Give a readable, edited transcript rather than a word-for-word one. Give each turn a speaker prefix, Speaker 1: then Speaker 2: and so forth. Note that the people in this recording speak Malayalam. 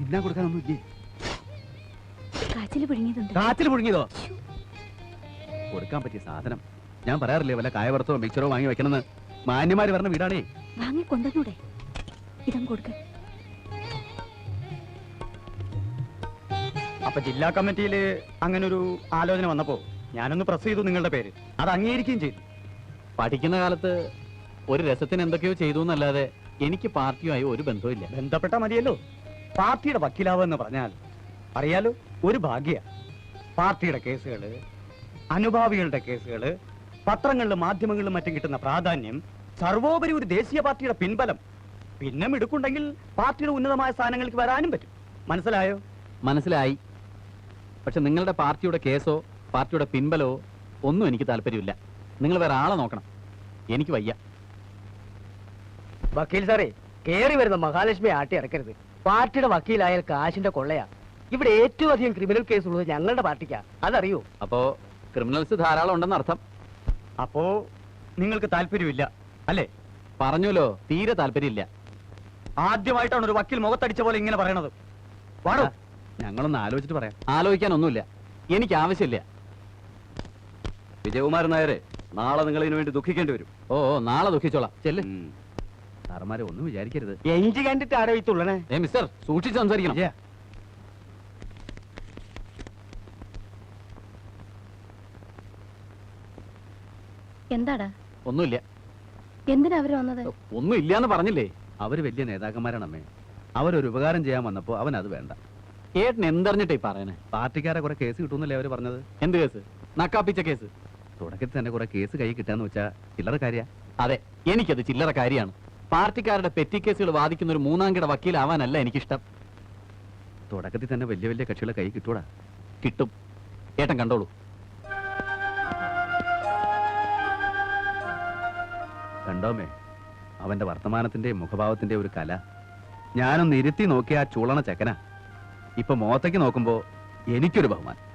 Speaker 1: തിന്നാൻ കൊടുക്കാനൊന്നും ഇല്ലേ?
Speaker 2: കാച്ചിൽ പുഴുങ്ങിയതുണ്ട്.
Speaker 1: കാച്ചിൽ പുഴുങ്ങിയതോ? കൊടുക്കാൻ പറ്റിയ സാധനം ഞാൻ പറയാറില്ലേ, വല്ല കായവറുത്തോ മിക്സറോ വാങ്ങി വെക്കണമെന്ന്. മാന്യമാര് പറഞ്ഞ വീടാണേ.
Speaker 2: വാങ്ങി കൊണ്ടുവന്നൂടെ? ഇതം കൊടുക്ക.
Speaker 3: അപ്പൊ ജില്ലാ കമ്മിറ്റിയില് അങ്ങനെ ഒരു ആലോചന വന്നപ്പോ ഞാനൊന്ന് പ്രസ് ചെയ്തു നിങ്ങളുടെ പേര്. അത് അംഗീകരിക്കുകയും ചെയ്തു.
Speaker 4: പഠിക്കുന്ന കാലത്ത് ഒരു രസത്തിന് എന്തൊക്കെയോ ചെയ്തു എന്നല്ലാതെ എനിക്ക് പാർട്ടിയുമായി ഒരു ബന്ധവുമില്ല.
Speaker 3: ബന്ധപ്പെട്ട മതിയല്ലോ. പാർട്ടിയുടെ വക്കീലാവെന്ന് പറഞ്ഞാൽ അറിയാലോ, ഒരു ഭാഗ്യ. പാർട്ടിയുടെ കേസുകള്, അനുഭാവികളുടെ കേസുകള്, പത്രങ്ങളിലും മാധ്യമങ്ങളിലും മറ്റും കിട്ടുന്ന പ്രാധാന്യം, സർവോപരി ഒരു ദേശീയ പാർട്ടിയുടെ പിൻബലം, പിന്നെ മിടുക്കുണ്ടെങ്കിൽ പാർട്ടിയുടെ ഉന്നതമായ സ്ഥാനങ്ങൾക്ക് വരാനും പറ്റും. മനസ്സിലായോ?
Speaker 4: മനസ്സിലായി. പക്ഷെ നിങ്ങളുടെ പാർട്ടിയുടെ കേസോ പാർട്ടിയുടെ പിൻബലോ ഒന്നും എനിക്ക് താല്പര്യമില്ല. നിങ്ങൾ വേറെ ആളെ നോക്കണം. എനിക്ക് വയ്യ.
Speaker 5: വക്കീൽ സാറേ, കേറി വരുന്ന മഹാലക്ഷ്മി ആട്ടി ഇറക്കരുത്. പാർട്ടിയുടെ വക്കീലായാൽ കാശിന്റെ കൊള്ളയാ. ഇവിടെ ഏറ്റവും അധികം ക്രിമിനൽ കേസ് ഉള്ളത് ഞങ്ങളുടെ പാർട്ടിക്കാ, അതറിയോ?
Speaker 4: അപ്പോ ക്രിമിനൽസ് ധാരാളം ഉണ്ടെന്ന് അർത്ഥം.
Speaker 3: അപ്പോ നിങ്ങൾക്ക് താല്പര്യമില്ല അല്ലേ?
Speaker 4: പറഞ്ഞല്ലോ, തീരെ താല്പര്യമില്ല.
Speaker 3: ആദ്യമായിട്ടാണ് ഒരു വക്കീൽ മുഖത്തടിച്ച പോലെ ഇങ്ങനെ പറയണത്. വാടോ.
Speaker 1: ഞങ്ങളൊന്ന് ആലോചിച്ചിട്ട് പറയാം.
Speaker 4: ആലോചിക്കാനൊന്നുമില്ല, എനിക്ക് ആവശ്യമില്ല.
Speaker 1: വിജയകുമാരൻ നായരെ, നാളെ നിങ്ങൾ ഇതിനു വേണ്ടി ദുഃഖിക്കേണ്ടി വരും.
Speaker 4: ഓ നാളെ ദുഃഖിച്ചോളാം. ചെല്ല്.
Speaker 1: സാറന്മാരെ ഒന്നും വിചാരിക്കരുത്.
Speaker 5: എഞ്ചി കണ്ടിട്ട് ആരോ ഈ തുള്ളണേ?
Speaker 4: മിസ്റ്റർ, സൂക്ഷിച്ച് സംസാരിക്കണം.
Speaker 2: എന്താടാ?
Speaker 4: ഒന്നുമില്ല.
Speaker 2: എന്തിനാ അവര് വന്നത്?
Speaker 4: ഒന്നും ഇല്ലാന്ന് പറഞ്ഞില്ലേ?
Speaker 1: അവര് വലിയ നേതാക്കന്മാരാണ് അമ്മേ. അവരൊരു ഉപകാരം ചെയ്യാൻ വന്നപ്പോ അവൻ അത് വേണ്ട.
Speaker 4: ഏട്ടൻ എന്തറിഞ്ഞിട്ടേ പറയണേ?
Speaker 1: പാർട്ടിക്കാരെ കുറെ കേസ് കിട്ടുന്നല്ലേ അവര് പറഞ്ഞത്.
Speaker 4: എന്ത് കേസ്? നക്കാപ്പിച്ച കേസ്.
Speaker 1: തുടക്കത്തിൽ തന്നെ കുറെ കേസ് കൈ കിട്ടാന്ന് വെച്ചാ ചില്ലറ കാര്യ.
Speaker 4: അതെ, എനിക്കത് ചില്ലറ കാര്യമാണ്. പാർട്ടിക്കാരുടെ പെറ്റി കേസുകൾ വാദിക്കുന്ന ഒരു മൂന്നാംകിട വക്കീലാവാനല്ല എനിക്കിഷ്ടം.
Speaker 1: തുടക്കത്തിൽ തന്നെ വലിയ വലിയ കക്ഷികളെ കൈ കിട്ടൂടാ.
Speaker 4: കിട്ടും. ഏട്ടൻ കണ്ടോളൂ.
Speaker 1: കണ്ടോമേ, അവന്റെ വർത്തമാനത്തിന്റെ മുഖഭാവത്തിന്റെ ഒരു കല. ഞാനൊന്ന് ഇരുത്തി നോക്കിയ ആ ചൂളണ ചെക്കനാ. ഇപ്പൊ മോത്തേക്ക് നോക്കുമ്പോ എനിക്കൊരു ബഹുമാനം.